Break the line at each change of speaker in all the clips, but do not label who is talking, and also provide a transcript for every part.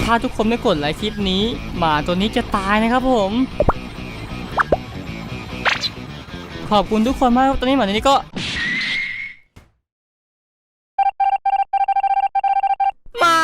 ถ้าทุกคนไม่กดไลค์คลิปนี้หมาตัวนี้จะตายนะครับผมขอบคุณทุกคนมากตอนนี้หมาตัวนี้ก็ไม่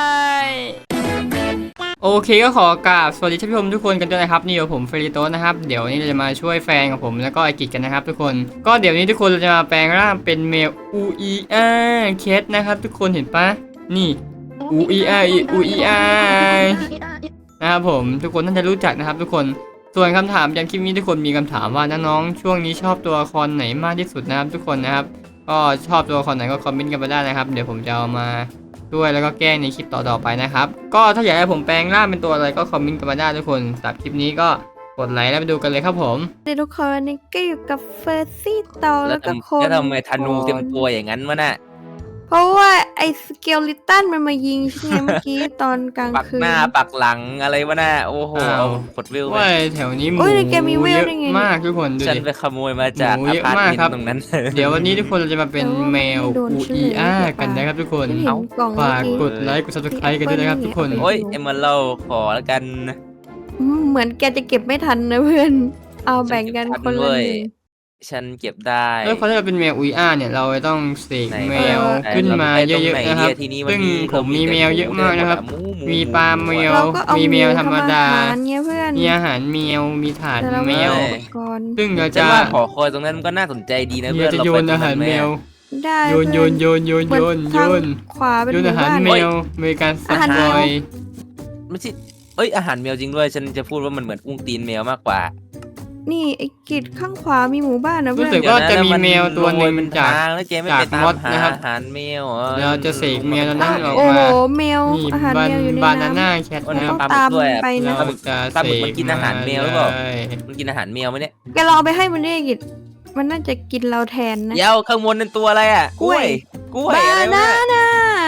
โอเคก็ขอกราบสวัสดีท่านผู้ชมทุกคนกันด้วยนะครับนี่เดี๋ยวผมเฟริโตนะครับเดี๋ยวนี้เราจะมาช่วยแฟนของผมแล้วก็ไอกิจกันนะครับทุกคนก็เดี๋ยวนี้ทุกคนเราจะมาแปลงร่างเป็นเมลอูอีอาเคสนะครับทุกคนเห็นปะนี่อูอีอาอูอีอานะครับผมทุกคนน่าจะรู้จักนะครับทุกคนส่วนคำถามจากคลิปนี้ทุกคนมีคำถามว่าน้องๆช่วงนี้ชอบตัวละครไหนมากที่สุดนะครับทุกคนนะครับก็ชอบตัวละครไหนก็คอมเมนต์กันมาได้นะครับเดี๋ยวผมจะเอามาด้วยแล้วก็แก้ในคลิปต่อๆไปนะครับก็ถ้าอยากให้ผมแปลงร่างเป็นตัวอะไรก็คอมเมนต์กันมาได้ทุกคนสำหรับคลิปนี้ก็กดไลค์แล้วไปดูกันเลยครับผม
ทุกคนวันนี้ก็อยู่กับเฟอร์ซี่ต่อแล้วก็โค
แล้วทำไมธนูเต็มตัวอย่างนั้นวะน่ะ
เพราะว่าไอ้สเกลลิตันมันมายิงใช่ไหมเมื่อกี้ตอนกลางคืน
ปักหน้าปักหลังอะไรวะน่ะโอ้โหกดวิวไป
แถวนี้หมูเยอะมากทุกคนดูดิ
ฉันไปขโมยมาจากอพาร์ตเมนต์ตรงนั้น
เดี๋ยววันนี้ทุกคนเราจะมาเป็นแมวอูอีอากันนะครับทุกคนฝากกดไลค์กด Subscribe กันด้วยนะครับทุกคน
โอ้ยเอ็มมาเล่าขอแล้วกัน
เหมือนแกจะเก็บไม่ทันนะเพื่อนเอาแบ่งกันคนละหนึ่ง
ฉันเก็บได้
แล้วพอเราเป็นแมวอูอีอาเนี่ยเราต้องเสกแมวขึ้นมาเยอะๆนะครับซึ่งผมมีแมวเยอะมากนะครับมีปลาแมวมีแมวธรรมดามีอาหารแมวมีถาดแมวซึ่งเราจะ
ขอคอยตรงนั้นมันก็น่าสนใจดีนะเพื่อน
จะโยนอาหารแมว
ได้
โยน
ขวาเป็น
อาหารแมวมีการสับลอย
ไม่ใช่อาหารแมวจริงด้วยฉันจะพูดว่ามันเหมือนอุ้งตีนแมวมากกว่า
นี่ไอ้กิจข้างขวามีหมู่บ้านนะเพื่อน
รู้สึกว่าจะมีแมวตัวหนึ่งจาก
ม
ดนะครับ
อาหารแมว
เราจะเสกแมวนั้นออกมา
โอ้โหแมวอาหารแมวอยู่ใน
บานาน่าแคท
นะครับตามไปนะ
เราจะเสก
มันกินอาหารแมวหรือเปล่ามันกินอาหารแมวไหมเนี่ย
แกลองไปให้มันได้กิจมันน่าจะกินเราแทนนะ
เดี๋ยวข้างบนเป็นตัวอะไรอ่ะกล้วย
บานาน่า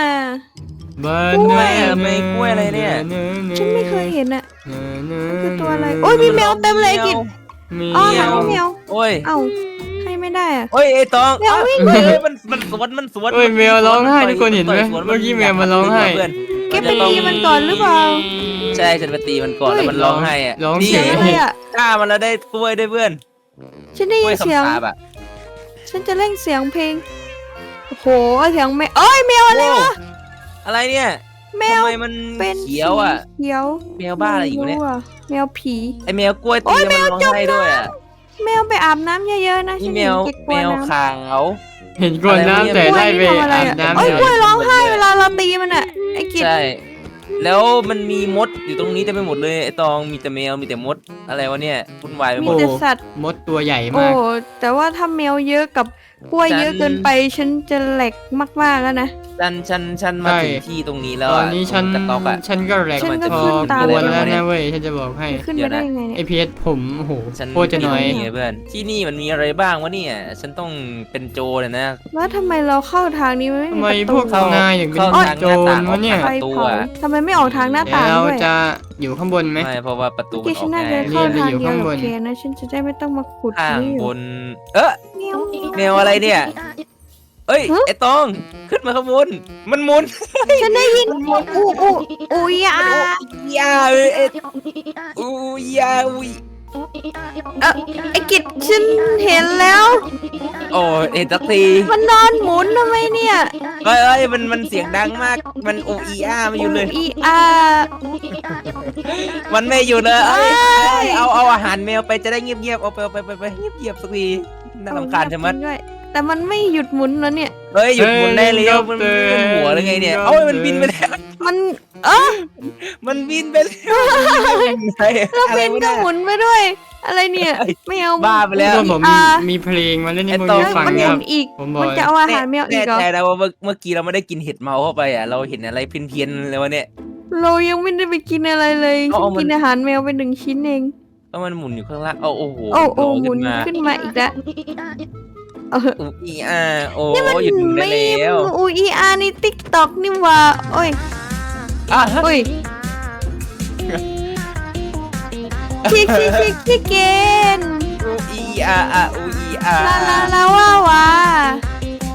ไม่กล้วยอะไรเนี่ย
ฉันไม่เคยเห็นอ่ะคือตัวอะไรโอ้ยมีแมวเต็มเลยกิจอ๋อหาแมว
โอ้ย
เอ้าให้ไม่ได้อ่ะ
ไอ้ตอง
แมววิ่ง
มันสวน
แมวร้องไห้ทุกคนเห็นไหมเมื่อกี้แมวมันร้องไห้
แกไปตีมันก่อนหรือเปล่า
ใช่ฉันไปตีมันก่อนแล้วมันร้องไห้อ่ะ
ร้องเสียง
ฆ่ามันแล้วได้กล้วยได้เพื่อน
ฉันได้ยินเสียงฉันจะเล่นเสียงเพลงโอ้โหเสียงแมวเอ้ยแมวอะไรวะ
อะไรเนี่ย
แมว
ทำไมมันเขียวอ่ะ
เขียว
แมวบ้าอะไรอยู่เนี่ย
แมวผี
ไอแมวกล้วยตีมันร้องไห้ด้วยอ่ะ
แมวไปอาบน้ำเยอะๆนะ
แมวขาว
เห็นกวนน้ำแต่ได้ไปอาบน้ำ
กล้วยร้องไห้เวลาเราตีมันอ่ะไอ้กิจ
ใช่แล้วมันมีมดอยู่ตรงนี้เต็มไปหมดเลยไอตองมีแต่แมวมีแต่มดอะไรวะเนี่ยวุ่นวายไปหมด
มีแต่สัตว์
มดตัวใหญ่มาก
โอ้แต่ว่าถ้าแมวเยอะกับกล้วยเยอะเกินไปฉันจะแหลกมากๆแล้วนะ
ฉันมาถึงที่ตรงนี้แล้ว
ตอนนี้ฉันก็แหลกพอควรแล้วนะเว้ยฉันจะบอกให้
ขึ้นมาได้ยังไงเนี่ย
ไอพีเอสผมโอ้โหโคตรจะน้อย
เพื่อนที่นี่มันมีอะไรบ้างวะเนี่ยฉันต้องเป็นโจรเลยนะ
แล้วทำไมเราเข้าทางนี้ไม่มีประตู
พวกนายอย่างเป็นโจรวะเนี่ย
ทำไมไม่ออกทางหน้าต่างด้วย
เราจะอยู่ข้างบนไหม
ไม่เพราะว่าประตูมันออก
ง่ายเข้าทางเดียวโอเคนะฉันจะได้ไม่ต้องมาขุด
ข้างบนแมวอะไรเนี่ยไอ้ตองขึ้นมาข้างบนมันมุน
ฉันได้ยินอูยาไอ้กิจฉันเห็นแล้ว
โอ้เห็นสักที
มันนอนหมุนทำไมเนี่ย
มันเสียงดังมากมันมาอยู่เลยมันไม่อยู่เลยเอาอาหารแมวไปจะได้เงียบเอาไปเงียบสักทีน่ารำคาญใช่ไหม
แต่มันไม่หยุดหมุนแล้วเนี่ย
หยุดหมุนได้แล้วมันเป็นหัวหรือไงเนี่ยมันบินไปแล้ว
มัน
บินไปแล้ว
แล้วบินก็หมุนไปด้วยอะไรเนี่ยไม่เอา
บ้าไปแล้ว
ผมมีเพลงมาเล่นในมือฟังครับ
มันจะเอาอาหารแมวอีกเหรอ
แต่แล้วว่าเมื่อกี้เราไม่ได้กินเห็ดเมาเข้าไปอ่ะเราเห็นอะไรเพี้ยนเลยวะเนี่ย
เรายังไม่ได้ไปกินอะไรเลยกินอาหารแมวไป1 ชิ้นเอง
ก็มันหมุนอยู่ข้างล่างโอ้โห
หมุนขึ้นมาอีกแล้ว
นี่มัน
หยุดไม่แล้วนี่ติ๊กต็อกนี่ว่าโอ้ยชิเกนลาว่า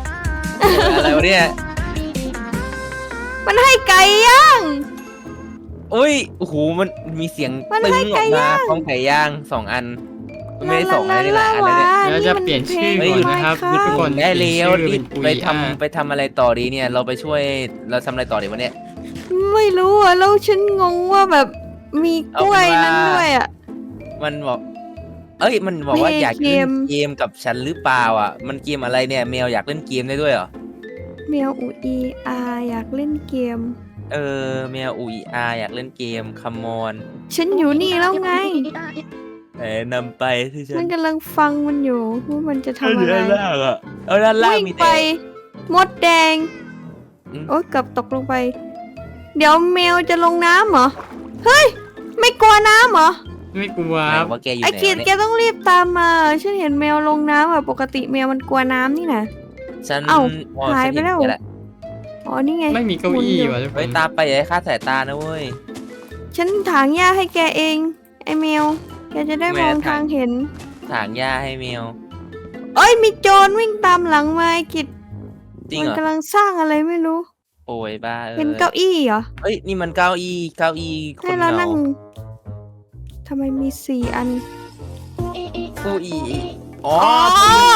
อะไรวะเนี่ย
มันให้ไก่ย่าง
อุ้ยโอ้โหมันมีเสียงตึงออกมาพร้อมไก่ย่าง2 อันไม่ได้2อะไรนี่แหละอะไรเนี่ย
แล้วจะเปลี่ยนชื่อ
เฮ้ย
ก่อนนะครับทุกคน
ได้เร็ว
เปลี่ยนชื่อ
ไป
เป็น
ทำไปทำอะไรต่อดีเนี่ย เราไปช่วยเราทำอะไรต่อดีวะเนี่ย
ไม่รู้อ่ะแล้วฉันงงว่าแบบมีกล้วยนั้นด้วยอ่ะ
มันบอกมันบอกว่า
เพลง
อยากเล่น
เกม
เกมกับฉันหรือเปล่าอ่ะมันเกมอะไรเนี่ยแมวอยากเล่นเกมได้ด้วยเหรอ
แมวอูอีอาอยากเล่นเกม
แมวอุยอาอยากเล่นเกมคัมมอน
ฉันอยู่นี่แล้วไง
นำไปที่ฉั
มัน นกำลังฟังมันอยู่ว่ามันจะทำอะไร
ด้านล่างอ่ะด้านล่าง
วิ่ง
มี
ไป
แต่
มดแดง
อืม
โอ๊ยเกับตกลงไป เดี๋ยวแมวจะลงน้ำเหรอ เฮ้ย ไม่กลัวน้ำเหรอ
ไม่กลัว
ไห
ครับ
นว่าแกอยู่
ไอ้
ไหน
กิด
วะ
แก
เนี่ย
ต้องรีบตามมา ฉันเห็นแมวลงน้ำอะปกติแมวมันกลัวน้ำนี่นะ
ฉัน
เอ้า
อ๋อ
หาย
ฉัน
ไปแล้ว
เห็นแกะ
อ๋อ นี่ไง
ไม่มีเก้าอี้
หมุนอยู่
ว่ะทุกค
เฮ้ย
น
ตามไปอย่าให้คลาดสายตานะเว้ย
ฉันถางหญ้าให้แกเอง ไอ้แมว แกจะได้
แม
ม
ว
อง
ถาง
ทางเห็น
ถางหญ้าให้แมว
เอ้ย มีโจรวิ่งตามหลังมาไอ้กิด
จริง
มัน
เหรอ
กำลังสร้างอะไรไม่รู้
โอ้ยบ้า
เป็นเก้าอี้เหรอ
เอ้ยนี่มันเก้าอี้ค
ให้
น
เรา
เหงา
นั่งทำไมมี4 อัน
เก้าอี้อ๋อ
อ๋อ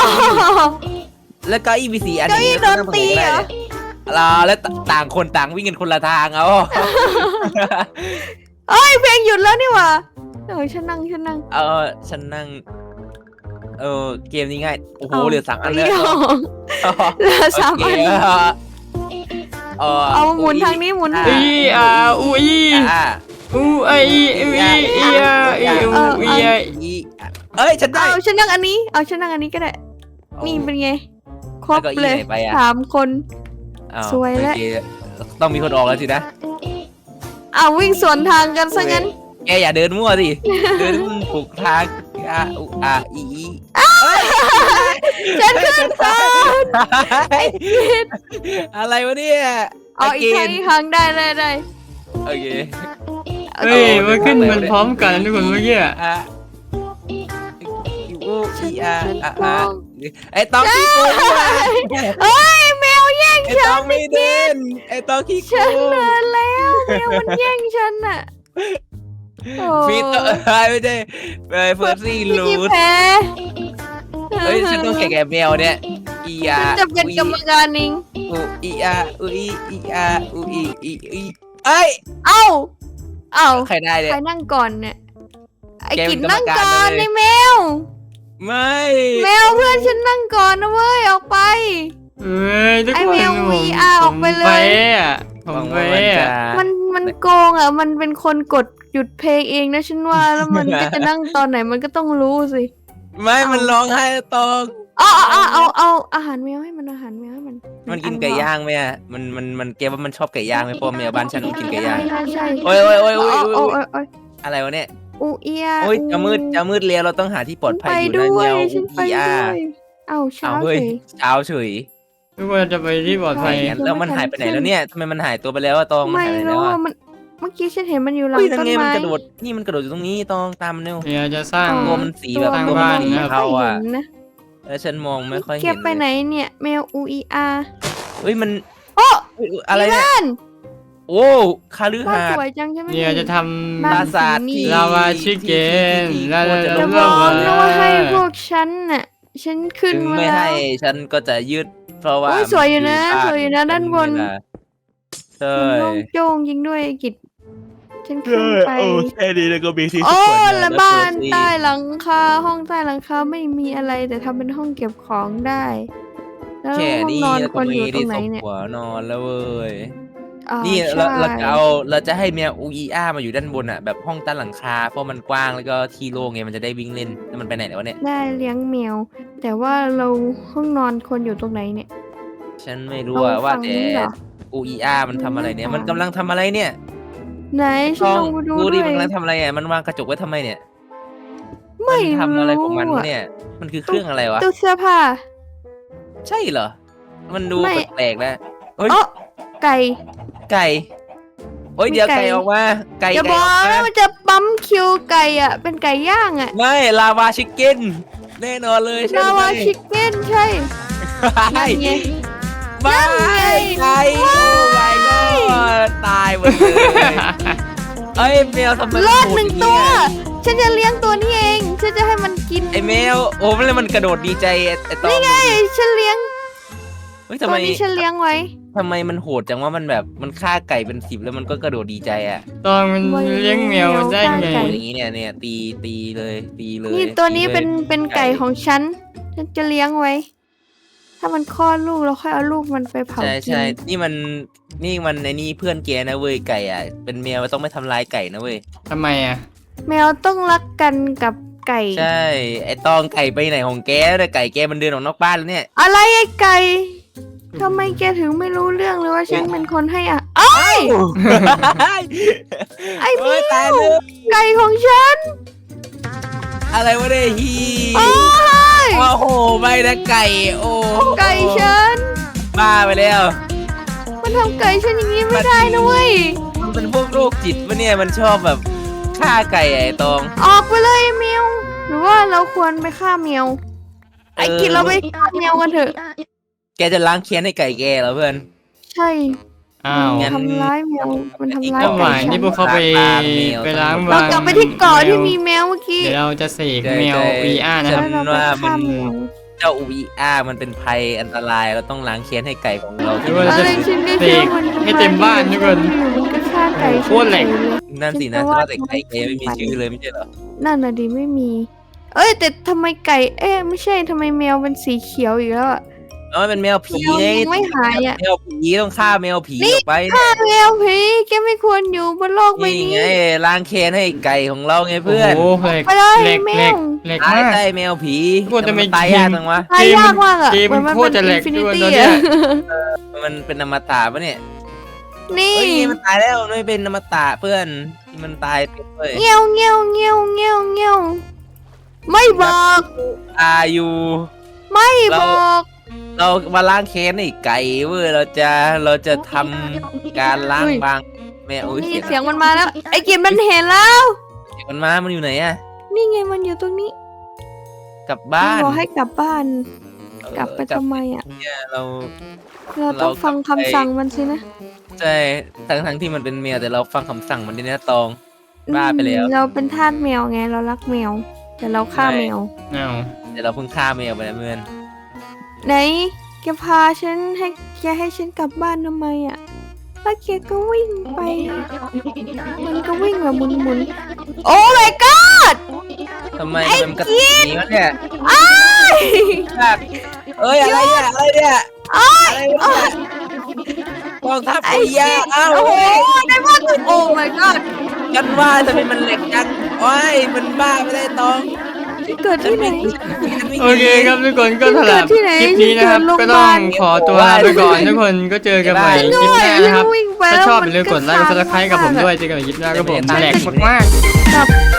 แล้วเก้าอี้มี4 อัน
เก้าอี้
ย่ง
โดนตีเหรอ
แล้วต่างคนต่างวิ่งกันคนละทางเอา
เอ้ยเพลงหยุดแล้วนี่หว่าฉันนั่ง
ฉันนั่งเกมนี้ง่ายโอ้โหเหลือ3 อัน
เล
เลย ย
เหลือ3 อัน เอาหมุนทางนี้หมุน
อีอาอูอี
อ่า
อูไออีอูอีอีอาอีอูอีไอ
เอ้ยฉันได้
เอาฉันนั่งอันนี้ เอาฉันนั่งอันนี้ก็ได้ นี่เป็นไง ครบ
แล้วเก้าอี้
เลย
ไหนไปอะ
3 คน
อ้า
สวยแล้ว
โอเคต้องมีคนออกแล้วสินะ
เอาวิ่งสวนทางกันซะงั้น
แกอย่าเดินมั่วสิ เดินถูกทางอี
ฉันขึ้นก่อน
อะไรวะเนี่ย
เอาอีกครั้งได้
โอเค
เฮ้ยมันขึ้นมันพร้อมกันนะทุกคนเมื่อกี้อะ
อ่ะอูอีอา
ฉันมอง
ไอ้ตองขี้โกง
เอ้ยแมวแย่ง
ไอ้
ฉั
ตอน งไม่เดินไอ้ตองขี้โก
ฉัน
ง
เดินแล้วแมวมันแย่งฉันน่ะโอ้
ฟีเตอร์ไม่ใช่เฟิร์สซี่
พี่
ลู
กี้
ด
แพ้
เฮ้ยฉันต้องแข่งกับแมวเนี่ยอีอา
ฉันจะเป็นกรรมการเอง
อูอีอาอูอีอาอูอีเอ้ย
เอ้า
ใครได้เนี่ย
ใครนั่งก่อนเนี่ยไอ้
แกเป็
กิ
น
นนั่ง
กรรมการ
ก่อน
เลย
ไอ้แมว
ไม่
แมวเพื่อนฉันนั่งก่อนนะเว้ยออกไป
เฮ้ยทุก
ไอ้
คน
แมว
ผม
VR ออกไปเลย
ผม
หวัง
เฟ้
ว่ามันจะ
อะ
มันโกงอ่ะมันเป็นคนกดหยุดเพลงเองนะฉันว่าแล้วมันก็จะนั่งตอนไหนมันก็ต้องรู้สิ
ไม่มันร้องไห้ตอง
เอาอาหารแมวให้มันอาหารแมวให้มัน
มันกินไก่ย่างไหมอ่ะมันเกมว่ามันชอบไก่ย่างไหมเพราะแมวบ้านฉันมันกินไก่ย่าง
ใช่
โอ้ย
โอ้
โอ้
ย
อะไรวะเนี่ย
อูเอีย
โอ้ยจะมืดแล้วเราต้องหาที่ปลอดภัยอยู่
ด้
นะ
วย
แนว
ฉันไป
อี
ด้
อา
วยเอาเช้า
เอาเฮ้ย
สิ
เช้าเฉย
ทุกคนจะไปที่ปลอดภัย
ใช่
แล้วมันหายไปไหนแล้วเนี่ยทำไมมันหายตัวไปแล้วอะตองมัน
ไม่
หายไปไหนแล้
รู้
วอะ
ว่ามันเมื่อกี้ฉันเห็นมันอยู่หลัง
เฮ้ยนั่
ต้
น
น
ไงมัน
ไม้
กระโดดนี่มันกระโดดอยู่ตรงนี้ตองตามมันเร็ว
เดี๋ยวจะสร้าง
ตัวมันสีแบบ
สร้าง
ตัว
บ้าน
สี
นะครับ
เทาอ่ะ
ไม่ค่ยห็นนะ
แล้วฉันมองไม่ค่อย
เก็
เห็
บ
น
ไปไหนเนี่ยแมวอูอีอา
เฮ้ยมัน
โอ้
เฮ้ยอะไรเนี่ย
บ้าน
โอ้คาลือ
บ้าน
หา
ส
ด
วยจังใช่ไหม
เดี๋ยวจะท
ปราสาทที่
ำลาวาชิเกนลา
ที่
จะ
ที่
บอก
ที่
นะว่าให้พวกฉันน่ะฉันขึ้น
ถึง
มา
ไม่
แล้
ให้
ว
ฉันก็จะยืดเพราะว่า
โอ้ยสวยอยู่นะ
มั
สวยอยู่นะด้านบน
ใช่
มันโล่งโจ้งยิงด้วยไอ้กิจฉันขึ้นไป
แค่นี้แล้วก็มีที่
โอ้
สุด
และบ้านใต้หลังคาห้องใต้หลังคาไม่มีอะไรแต่ทำเป็นห้องเก็บของได้ แล้ว
แค่
ห้อง
นี้
นอน
แล้ว
ค
ก็
วรอ
มี
ยู่ตร
ที่
งไหน
สม
เนี่ย
หัวนอนแล้วเว้ย
อ๋อ
นี่
ใช่
เราจะให้แมวอูอีอามาอยู่ด้านบนอ่ะแบบห้องใต้หลังคาเพราะมันกว้างแล้วก็ที่โล่งไงมันจะได้วิ่งเล่นแล้วมันไปไหนแล้ววะเนี่ย
ได้เลี้ยงแมว แต่ว่าเราห้องนอนควรอยู่ตรงไหนเนี่ย
ฉันไม่รู้อะ
เอา
ว่า
ฝั่ง
แต่
นี้เหรอ
อูอีอามันทำอะไรเนี่ย มันกำลังทำอะไรเนี่ย
ไหนฉันลองไปดู
ดู
ด้
ดิ
วย
มันกำลังทำอะไรอ่ะมันวางกระจกไว้ทำไมเนี่ย
ไม่
นทำอะไรของมัน
รู้
วะ
อะ
เนี่ย มันคือเครื่องอะไรวะ
ตู้เสื้อผ้า
ใช่เหรอ มันดู
ไม่
แปลกๆนะเฮ้ย
เอ๋อไก่
ไก่โอ้ย
มี
เดี๋ยว
ไก่
ไก่ออกมา ไก่
อย่า
ไก่
บอ
อกอก
นะ
มา
มันจะปั๊มคิวไก่อ่ะ เป็นไก่ย่างอ่ะ
ไม่ลาวาชิคเก้นแน่นอนเลยใช่
ลา
ไหม
วาชิคเก้นใช่
ไม่
นั่นไง
ไม่
นั่นไง
ไก่โอ้ my god ตายหมดเลยเอ้ยแมวทำไม
รอดหนึ่งตัว ฉันจะเลี้ยงตัวนี้เองฉันจะให้มันกิน
ไอ้แมวโอ้มันกระโดดดีใจไอ้ตอง
นี่ไงฉันเลี้ยง
เฮ้ย
ตั
ทำ
ว
ไม
นี้ฉันเลี้ยงไว้
ทำไมมันโหดจังว่ามันแบบมันฆ่าไก่เป็น10แล้วมันก็กระโดดดีใจอ่ะ
ตอนมันเลี้ยงแมวได้ไง
โหอย่างนี้เนี่ยตีเลยตีเลย
นี่ตัวนี้
ตีลย
เป็นไก่ของฉันจะเลี้ยงไว้ ถ้ามันคลอดลูกเราค่อยเอาลูกมันไปเผา
ใช่
กิน
ใช่นี่มันในนี่เพื่อนแกนะเว้ยไก่อ่ะเป็นแมวต้องไม่ทำร้ายไก่นะเว้ย
ทำไมอ่ะ
แมวต้องรักกันกับไก่
ใช่ไอ้ตองไก่ไปไหนของแกเนี่ยไก่แกมันเดินออกนอกบ้านแล้วเนี่ย
อะไรไอ้ไก่ทำไมแกถึงไม่รู้เรื่องเลยว่าฉันเป็นคนให้อ่ะเอ้ย ไอ้
เฮ้ย
แม
ตายว เลย
ไก่ของฉัน
อะไรวะเนี่ยฮี
โอ้ย
โอ้โหไม่นะไก่โอ้
ไก่ฉัน
บ้าไปแล้ว
มันทำไก่ฉันอย่างนี้ไม่ได้นะเว้ย
มันเป็นพวกโรคจิตปะเนี่ยมันชอบแบบฆ่าไก่ไอ้ตอง
ออกไปเลยแมวหรือว่าเราควรไปฆ่าแมวไอ้กินเราไปฆ่าแมวกันเถอะ
แกจะล้างเคียนให้ไก่แกเหรอเพื่อน
ใช่
อ้าว
งั้น
ทำร้ายแมวมันทำร้าย
เมื่อ
ไก่
วาน
ฉั
นี่
น
พวกเขาไปล้าง
เรา
บาง
กลับไปที่เกาะที่มีแมวเมื่อกี้
เดี๋ยวเราจะเสก
ใช่
แมว
ใช่
VR นะครับ
แล้วเราไปฆ่าแมว
เจ้าอุยอามันเป็นภัยอันตรายเราต้องล้างเคียนให้ไก่ของเรา
หรือว่าเราจะ
อะไรฉันก็
เส
เชื่อก มัน
ให้เต็มบ้านทุกคน
มันก็ฆ่าไก่
โคตรแหลก
นั่นสินะว่าแต่ไก่แกไม่มีชื่อเลยไม่ใช่เหรอ
นั่นน่ะดิไม่มี เอ้ยแต่ทำไมไก่ไม่ใช่ทำไมแมวเป็นสีเขียวอีกแล้วอะ
อ๋อเป็นแมวผี
แมว
ไง
ยังไม่หายอ่ะ
แมวผีต้องฆ่าแมวผีออกไป
ฆ่าแมวผีแกไม่ควรอยู่บนโลกใบ
นี่
นี้
ไงล้างเคียนให้ไก่ของเราไง
โอ้
เพื่อน
โหเหล็ก
ไปเลย
เหล็ก
แม
เหล็
ว
กเหล็ก
ตาย
มาก
ได้แมวผี
ทุกคนทำไม
ตายยากจังวะ
ตายยากมากอ่ะ
เกมมัน
เห
โคตรจะแหลก
ฟินิ
ด้วย
ตี้
ตอนเนี้ย
อ่ะ
มันเป็นอมตะปะเนี่ย
นี่
เฮ้ยมันตายแล้วมันไม่เป็นอมตะเพื่อนที่มันตายไปเลย
เงี้ยวเงี้ยวเงี้ยวเงี้ยวเงี้ยวไม่บอก
อายุ
ไม่บอก
เรามาล้างแค้นไอ้ไก่เว้ยเราจะทำการล้างบางแม่โอ้ย
นี่
เสียง
เสียงมันมาแล้ว ไอ้กินมันเห็นแล้ว
มันมาอยู่ไหนอะ
นี่ไงมันอยู่ตรงนี้
กลับบ้าน
บอกให้กลับบ้าน
เออก
ลับไปทำไมอ่ะ
เนี่ยเรา
เราต้องฟังคำสั่งมันสินะ
ใช่ทั้งที่มันเป็นแมวแต่เราฟังคำสั่งมันดีนะตอง บ้าไปแล้ว
เราเป็นทาสแมวไงเรารักแมว แต่เราฆ่าแมว
อ้าว
แต่เราเพิ่งฆ่าแมวไปนะเพื่อน
ไหนแกพาฉันให้ฉันกลับบ้านทำไมอ่ะแล้วแกก็วิ่งไป มันก็วิ่งแบบหมุนๆโอ้ my god
ทำไมมันกระตุกอย่างนี้วะเนี่ย
อ้าย
เอ้ยอะไรเนี่ยอะไรเนี่ยอะไรวะเนี่ยกองทัพปุยยาเอ้า
โอ้โห
เฮ้ย
ได้ว่าโอ้ my god
กันว่าทำไมมันเหล็กจังโอ้ยมันบ้าไม่ได้ตอง
เกิดที่ไหน
โอเคครับทุกคนก็สำหรับ
เกิดที่ไหน
คลิปนี้นะครับ
เกิดโรงพ
ก็
ยา
ต้อบ
าง ล
ขอตัวลาไปก่อนทุกคนก็เจอกันใหม่คลิปหน้านะครับ
วิ่งไป
ถ้า
แล้ว
ชอบ
มั
อย่าลืมกดไลค์กดซับสไครต์กับผมด้วยเจอกันใหม่คลิปหน้าครับผมแหลกมากๆ
กับ